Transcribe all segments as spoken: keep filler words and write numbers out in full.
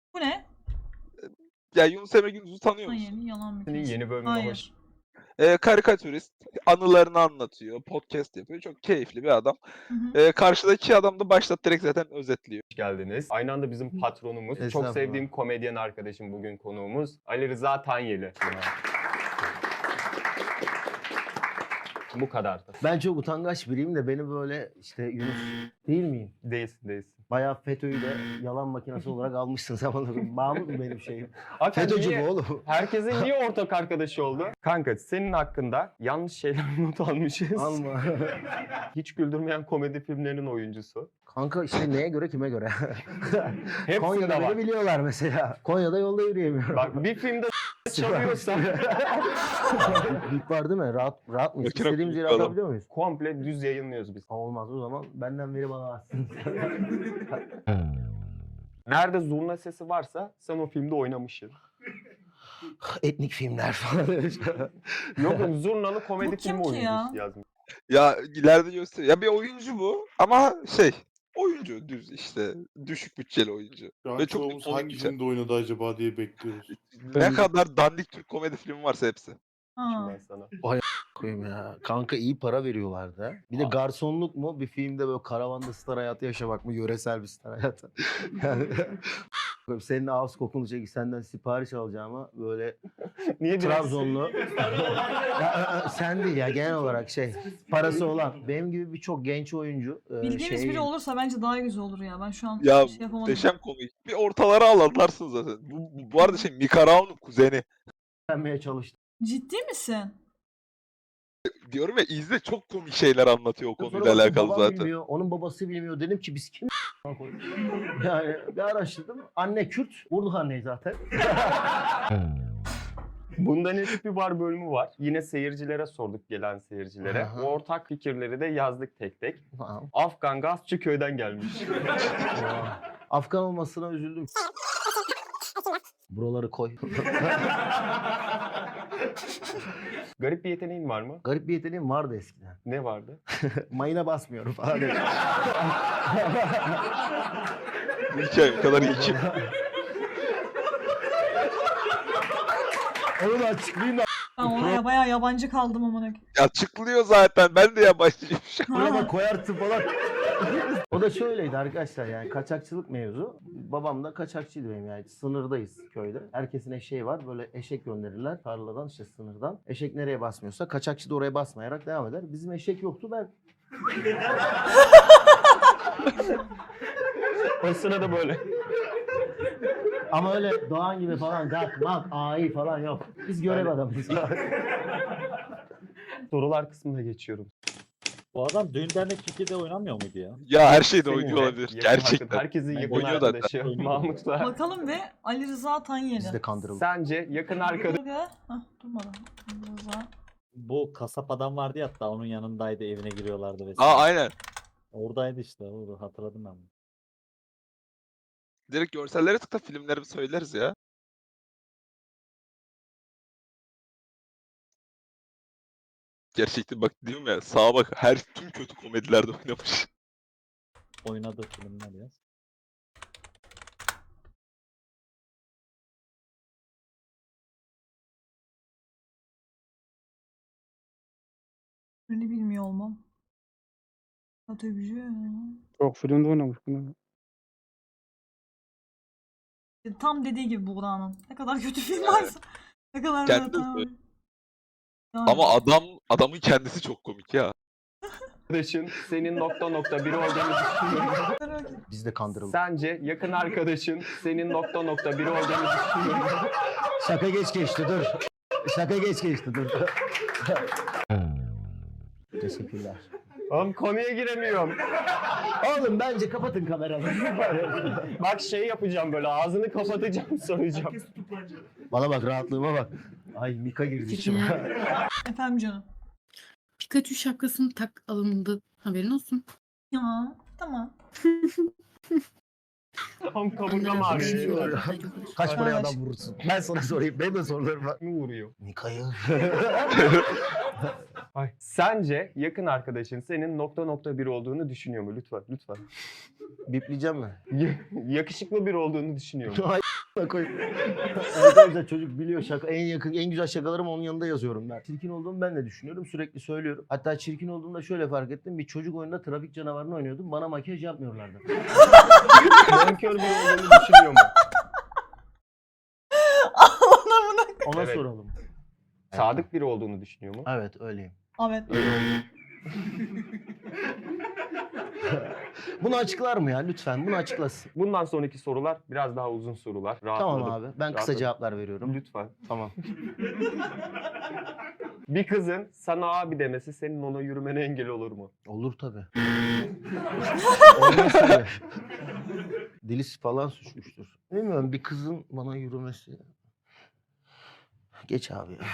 Bu ne? Ya Yunus Emre Gündüz'ü tanıyor musun? Hayır, yalan Senin makinesi. yeni bölümüne Hayır. hoş Ee, karikatürist, anılarını anlatıyor, podcast yapıyor. Çok keyifli bir adam. Hı hı. Ee, karşıdaki adam da başta direkt zaten özetliyor. geldiniz. Aynı anda bizim patronumuz, çok Estağfurullah. sevdiğim komedyen arkadaşım bugün konuğumuz Ali Rıza Tanyeli. Bu kadar. Ben çok utangaç biriyim de beni böyle işte Yunus değil miyim? Değilsin değilsin. Bayağı FETÖ'yü de yalan makinesi olarak almışsın sen bana. Mahmut mu benim şeyim? Hakikaten FETÖ'cü niye- bu oğlum. Herkesin niye ortak arkadaşı oldu? Kanka senin hakkında yanlış şeyler not almışız. Alma. Hiç güldürmeyen komedi filmlerinin oyuncusu. Kanka işte neye göre kime göre? Hepsinde Konya'da var. beni biliyorlar mesela. Konya'da yolda yürüyemiyorum. Bak bir filmde çalıyorsa Bip var değil mi? Rahat, rahat mıyız? Makine İstediğimiz yere kullanalım. atabiliyor muyuz? komple düz yayınlıyoruz biz. Olmaz o zaman benden veri bana atsın. Nerede zurna sesi varsa sen o filmde oynamışsın. Etnik filmler falan. Yok yok zurnalı komedi Bu kim filmi ki oyuncusu ya? yazmış. Ya ileride gösteriyor. Ya bir oyuncu bu ama şey oyuncu düz işte düşük bütçeli oyuncu. Şu an Ve çok çoğumuz komik hangi bir şey. filmde oynadı acaba diye bekliyoruz. Ne kadar dandik Türk komedi filmi varsa hepsi. Ha. Ben sana. Koyayım ya. Kanka iyi para veriyorlardı. ha. Bir de garsonluk mu? Bir filmde böyle karavanda star hayatı yaşamak mı? Yöresel bir star hayatı. Yani senin ağız kokunu çekip senden sipariş alacağıma böyle Niye biraz- Trabzonlu. ya, e, e, sen değil ya genel olarak şey parası olan. Benim gibi birçok genç oyuncu. e, Bildiğimiz şey- biri olursa bence daha güzel olur ya. Ben şu an Ya şey yapamadım. muhteşem komik. Bir ortalara alanlarsın zaten. Bu, bu, bu arada şey Mika Raon'un kuzeni. öğrenmeye çalıştım. Ciddi misin? Diyorum ya izle çok komik şeyler anlatıyor o Sonra konuyla baktım, alakalı babam zaten. bilmiyor, onun babası bilmiyor. Dedim ki biz kim yani bir araştırdım. Anne Kürt. Vurduk anneyi zaten. Bundan eski bir var bölümü var. Yine seyircilere sorduk gelen seyircilere. Aha. O ortak fikirleri de yazdık tek tek. Tamam. Afgan gazçı köyden gelmiş. Afgan olmasına üzüldüm. Buraları koy. Garip bir yeteneğin var mı? Garip bir yeteneğim vardı eskiden. Ne vardı? Mayına basmıyorum falan. Bu hikaye o kadar iyi ki. Onu da açıklayayım da. Ben olaya bayağı yabancı kaldım amına. Açıklıyor zaten. Ben de yabancıyım şu an. Buraya Ha. da koyarsın falan. O da şöyleydi arkadaşlar yani kaçakçılık mevzu. Babam da kaçakçıydı benim yani. Sınırdayız köyde. Herkesin eşeği var. Böyle eşek gönderirler tarladan işte sınırdan. Eşek nereye basmıyorsa kaçakçı da oraya basmayarak devam eder. Bizim eşek yoktu ben. O sırada böyle. Ama öyle Doğan gibi falan gak mak ai falan yok. Biz görev adamıyız. Sorular kısmına geçiyorum. Bu adam düğün dernek Türkiye'de oynamıyor muydu ya? Ya her şeyde Seninle oynuyor olabilir. yakın Gerçekten. arkadaş- Herkesin yakın Oynuyor zaten. arkadaşı Mahmut'la. Bakalım ve Ali Rıza Tanyeli. Biz de kandırıldık. Sence yakın arkadaş Hah durmadı. Ali Rıza. Bu kasap adam vardı ya hatta onun yanındaydı evine giriyorlardı vesaire. Aa aynen. Oradaydı işte orada hatırladım ben. bunu. Direkt görsellere tıkla filmleri söyleriz ya. Gerçekten bak diyorum ya sağa bak her tüm kötü komedilerde oynamış. Oynadığı filmler ya. Ünlü bilmiyor olmam. Otobücü. Çok filmde oynamış bunu. Tam dediği gibi Buğra'nın. Ne kadar kötü film varsa. Ne kadar Kendi da söyle. Yani. Ama adam adamın kendisi çok komik ya. arkadaşın senin nokta nokta biri olduğunu düşünüyorum. Biz de kandırıldık. Sence yakın arkadaşın senin nokta nokta biri olduğunu düşünüyorum. Şaka geç geçti dur. Şaka geç geçti dur. Teşekkürler. Oğlum konuya giremiyorum. Oğlum bence kapatın kameraları. Bak şey yapacağım böyle ağzını kapatacağım soracağım. Bana bak rahatlığıma bak. Ay Mika girdi içime. Efendim canım. Pikachu şapkasını tak alındı. Haberin olsun. Ya tamam. Tam kaburgam ağrıyor. Kaç paraya Kaç? adam vurursun? Ben sana sorayım. Benim de sorularım var. Kim vuruyor? Mika'yı. Ay. Sence yakın arkadaşın senin nokta nokta bir olduğunu düşünüyor mu? Lütfen, lütfen. Bipleyeceğim mi? Ya- Yakışıklı bir olduğunu düşünüyor mu? Ay koy. Arkadaşlar çocuk biliyor şaka. En yakın, en güzel şakalarımı onun yanında yazıyorum ben. Çirkin olduğumu ben de düşünüyorum. Sürekli söylüyorum. Hatta çirkin olduğumda şöyle fark ettim. Bir çocuk oyununda trafik canavarını oynuyordum. Bana makyaj yapmıyorlardı. Bonkör bir olduğunu düşünüyor mu? Allah'ına buna. Ona Evet. soralım. Sadık biri olduğunu düşünüyor mu? Evet öyleyim. Evet. Bunu açıklar mı ya lütfen? Bunu açıklasın. Bundan sonraki sorular biraz daha uzun sorular. Rahatladım. Tamam abi. Ben kısa Rahatladım. cevaplar veriyorum. Lütfen. Tamam. Bir kızın sana abi demesi senin ona yürümene engel olur mu? Olur tabii. Olmaz tabii. Dili falan suçmuştur. Bilmiyorum bir kızın bana yürümesi. Geç abi ya.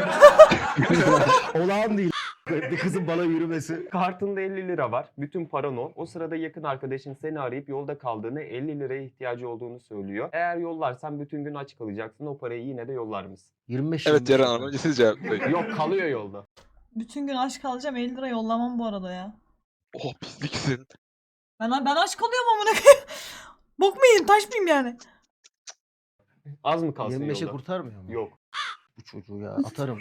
Olağan değil. Bir kızın bana yürümesi. Kartında elli lira var. Bütün paran o. O sırada yakın arkadaşın seni arayıp yolda kaldığını, elli liraya ihtiyacı olduğunu söylüyor. Eğer yollarsan bütün gün aç kalacaksın. O parayı yine de yollar mısın? yirmi beş Evet yirmi Ceren beş Hanım önce siz cevaplayın. Yok, kalıyor yolda. Bütün gün aç kalacağım, elli lira yollamam bu arada ya. Oh pisliksin. Ben, ben aç kalıyorum amına koyayım. Bok mu yiyeyim, taş mıyım yani? Az mı kalsın yirmi beşe yolda? kurtarmıyor mu? Yok. Bu çocuğu ya atarım.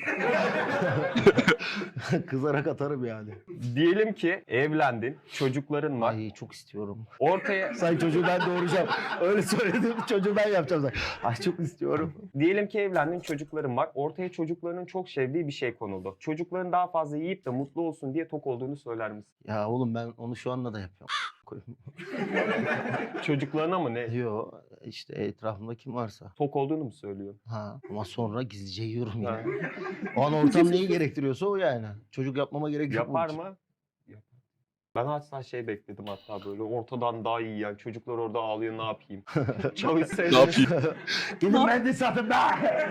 Kızarak atarım yani. Diyelim ki evlendin, çocukların var. Ay çok istiyorum. Ortaya Say çocuğu ben doğuracağım. Öyle söyledim çocuğu ben yapacağım. Say. Ay çok istiyorum. Diyelim ki evlendin, çocukların var. Ortaya çocuklarının çok sevdiği bir şey konuldu. Çocukların daha fazla yiyip de mutlu olsun diye tok olduğunu söyler misin? Ya oğlum ben onu şu anda da yapıyorum. Çocuklarına mı ne? Yo işte etrafımda kim varsa. Tok olduğunu mu söylüyor? Ha ama sonra gizlice yiyorum yine. Ha. O an ortam neyi gerektiriyorsa o yani. Çocuk yapmama gerek yok. Yapar bunun için. mı? Yapar. Ben hatta şey bekledim hatta böyle ortadan daha iyi yani çocuklar orada ağlıyor ne yapayım? Çalışsaydı. Ne yapayım? Gidin ben de satın be.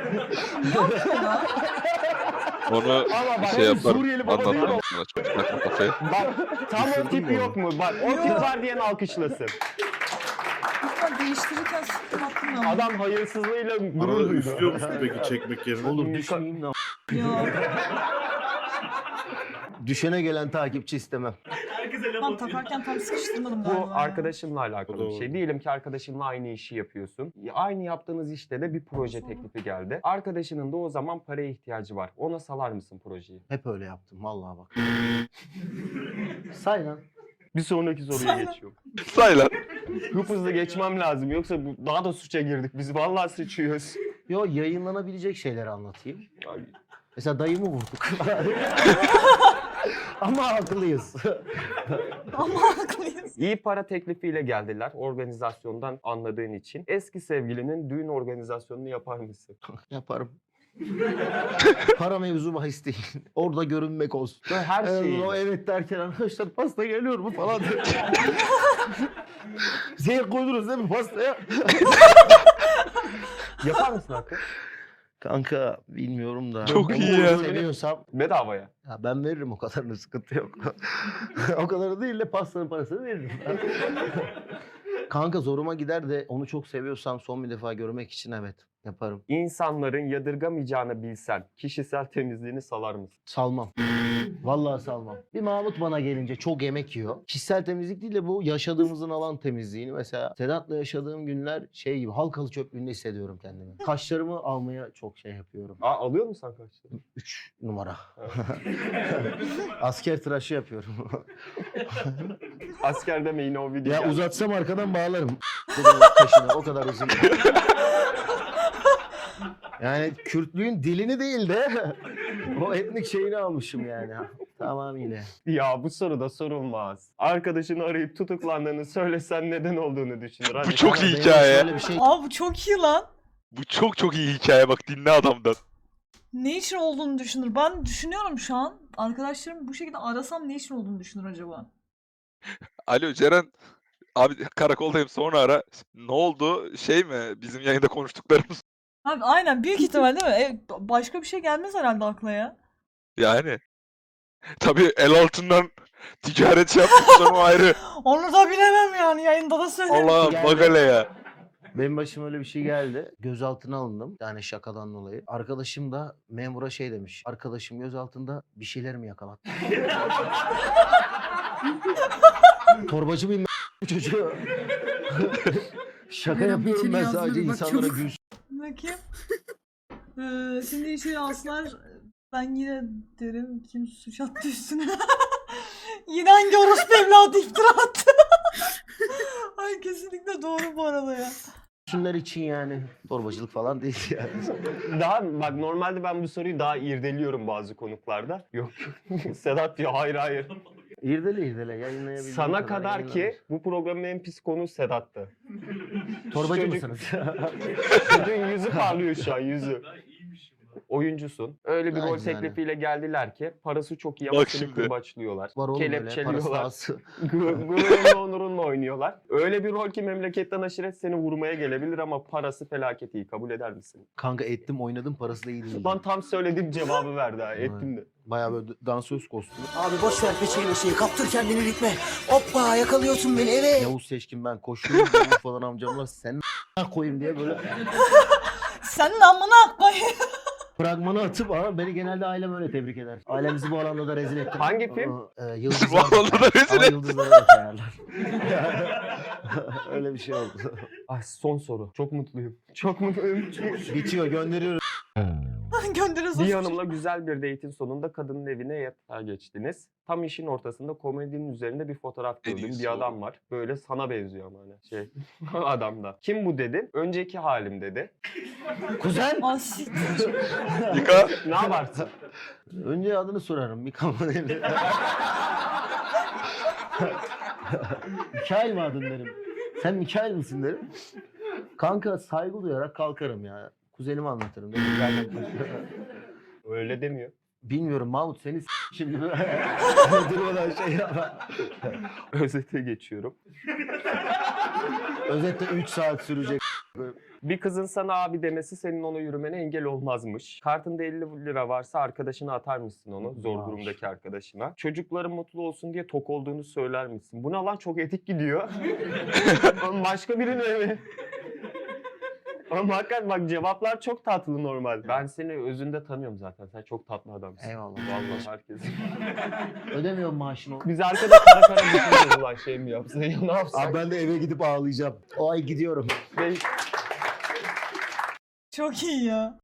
Onu Ama bak, şey hem yaparım. Suriyeli baba değil mi? Anlatırım sana çocuk takma kafaya. Bak tam o Düşündün tipi mü yok mu? Bak o Yok. tip var diyen alkışlasın. Lütfen değiştirirken sıkıntı attım ya. Adam hayırsızlığıyla gurur Arada duydu. üflüyor musun peki çekmek yerine? Olur düşmeyeyim de. Yok. Düşene gelen takipçi istemem. Ben takarken tam sıkıştırmadım galiba. Bu ya. arkadaşınla alakalı bir Doğru. şey. Diyelim ki arkadaşınla aynı işi yapıyorsun. Aynı yaptığınız işte de bir proje teklifi geldi. Arkadaşının da o zaman paraya ihtiyacı var. Ona salar mısın projeyi? Hep öyle yaptım vallahi bak. Say lan. Bir sonraki soruya Say lan. geçiyorum. Say lan. Hıp hızlı geçmem lazım yoksa bu, daha da suça girdik. Biz vallahi sıçıyoruz. Yo yayınlanabilecek şeyleri anlatayım. Ay, Mesela dayımı vurduk. Ama haklıyız. Ama haklıyız. İyi para teklifiyle geldiler organizasyondan anladığın için. Eski sevgilinin düğün organizasyonunu yapar mısın? Yaparım. Para mevzu bahis değil. Orada görünmek olsun. Böyle her Evet, şeyi. o evet derken arkadaşlar pasta geliyor mu falan diyor. Zehir koydunuz değil mi pastaya? Yapar mısın Hakkı? Kanka bilmiyorum da. Çok Ben iyi bunu ya. Seviyorsam Bedavaya. ya ben veririm o kadarını sıkıntı yok. O kadarı değil de pastanın parasını veririm. Kanka zoruma gider de onu çok seviyorsam son bir defa görmek için evet yaparım. İnsanların yadırgamayacağını bilsen kişisel temizliğini salar mısın? Salmam. Vallahi salmam. Bir Mahmut bana gelince çok yemek yiyor. Kişisel temizlik değil de bu yaşadığımızın alan temizliğini. Mesela Sedat'la yaşadığım günler şey gibi halkalı çöplüğünde hissediyorum kendimi. Kaşlarımı almaya çok şey yapıyorum. Aa, alıyor musun sen kaçları? Üç numara. Asker tıraşı yapıyorum. Asker deme yine o video. Ya geldi. uzatsam arkadan bağlarım. Taşına o kadar uzun. Yani Kürtlüğün dilini değil de o etnik şeyini almışım yani. Tamamıyla. Ya bu soru da sorulmaz. Arkadaşını arayıp tutuklandığını söylesen neden olduğunu düşünür. Hadi. Bu çok Ama iyi benim hikaye. şöyle bir şey Abi bu çok iyi lan. Bu çok çok iyi hikaye bak dinle adamdan. Ne için olduğunu düşünür. Ben düşünüyorum şu an. Arkadaşlarım bu şekilde arasam ne için olduğunu düşünür acaba? Alo Ceren. Abi karakoldayım sonra ara. Ne oldu? Şey mi? Bizim yayında konuştuklarımız. Abi aynen büyük ihtimal değil mi? E, başka bir şey gelmez herhalde akla ya. Yani. Tabii el altından ticaret yaptıktan o ayrı. Onu da bilemem yani yayında da söyleyeyim. Allah Geldi. bak hele ya. Benim başıma öyle bir şey geldi. Gözaltına alındım. Yani şakadan dolayı. Arkadaşım da memura şey demiş. Arkadaşım gözaltında bir şeyler mi yakalattı? Torbacı mıyım ben çocuğu? Şaka Meral, yapıyorum içeri ben yazları sadece bak, insanlara çabuk. gülsün. Bakayım. Ee, şimdi içeri alsınlar. Ben yine derim kim suç attı üstüne. Yine hangi orospu evladı iftira attı. Ay kesinlikle doğru bu arada ya. Şunlar için yani. Torbacılık falan değil yani. Daha bak normalde ben bu soruyu daha irdeliyorum bazı konuklarda. Yok Sedat diyor hayır hayır. İrdele irdele yayınlayabildiğim Sana kadar yayınlanır. ki bu programın en pis konuğu Sedat'tı. Torbacı Çocuk- mısınız? Çocuğun yüzü parlıyor şu an yüzü. Oyuncusun. Öyle bir rol Aynen. teklifiyle geldiler ki parası çok iyi ama Bak seni şimdi. kırbaçlıyorlar. Var oğlum öyle parası Kelepçeliyorlar. dağısı. Gu- Gururunla onurunla oynuyorlar. Öyle bir rol ki memleketten aşiret seni vurmaya gelebilir ama parası felaket iyi. Kabul eder misin? Kanka ettim oynadım parası da iyi değil. Lan tam söylediğim cevabı verdi ha. Ettim de. Bayağı böyle dansöz kostümü. Abi boş ver peçeyi meçeyi kaptır kendini ritme. Hoppa yakalıyorsun beni eve. Yavuz Seçkin ben koşuyorum Yavuz falan amcamlar sen a**a koyayım diye böyle Sen amına koy. fragmanı atıp ama beni genelde ailem öyle tebrik eder. Ailemizi bu alanda da rezil ettim. Hangi film? Ee, Bu Yıldızlar. alanda da rezil Ama et. yıldızları da sayarlar. Öyle bir şey oldu. Ay son soru. Çok mutluyum. Çok mutluyum. Bitiyor gönderiyoruz. Göndeririz Bir olsun. hanımla güzel bir date'in sonunda kadının evine yatağa geçtiniz. Tam işin ortasında komedinin üzerinde bir fotoğraf En gördüm. iyisi Bir adam oğlum. var. Böyle sana benziyor ama hani şey adamda. Kim bu dedin? Önceki halim dedi. Kuzen. Aa, siktir. Yıka. Ne yaparsın? Önce adını sorarım. Mikaman evli. Mikail mi adın derim. Sen Mikail misin derim. Kanka saygı duyarak kalkarım ya. Kuzenimi anlatırım. Dedim, zaten Öyle demiyor. bilmiyorum Mahmut seni s- şimdi durmadan şey yapma. Özete geçiyorum. Özetle üç saat sürecek. Bir kızın sana abi demesi senin ona yürümene engel olmazmış. Kartında elli lira varsa arkadaşına atar mısın onu? Zor Maaş. durumdaki arkadaşına. Çocukların mutlu olsun diye tok olduğunu söyler misin? Bu ne lan çok etik gidiyor. Oğlum başka birine mi? Ama hakikaten bak cevaplar çok tatlı normal. Ben seni özünde tanıyorum zaten. Sen çok tatlı adamsın. Eyvallah. Vallahi herkes. Ödemiyorum maaşını. Biz arkada kara kara düşünüyoruz ulan şey mi yapsa ya ne yapsak? Abi ben de eve gidip ağlayacağım. O ay gidiyorum. Ve Çok iyi ya.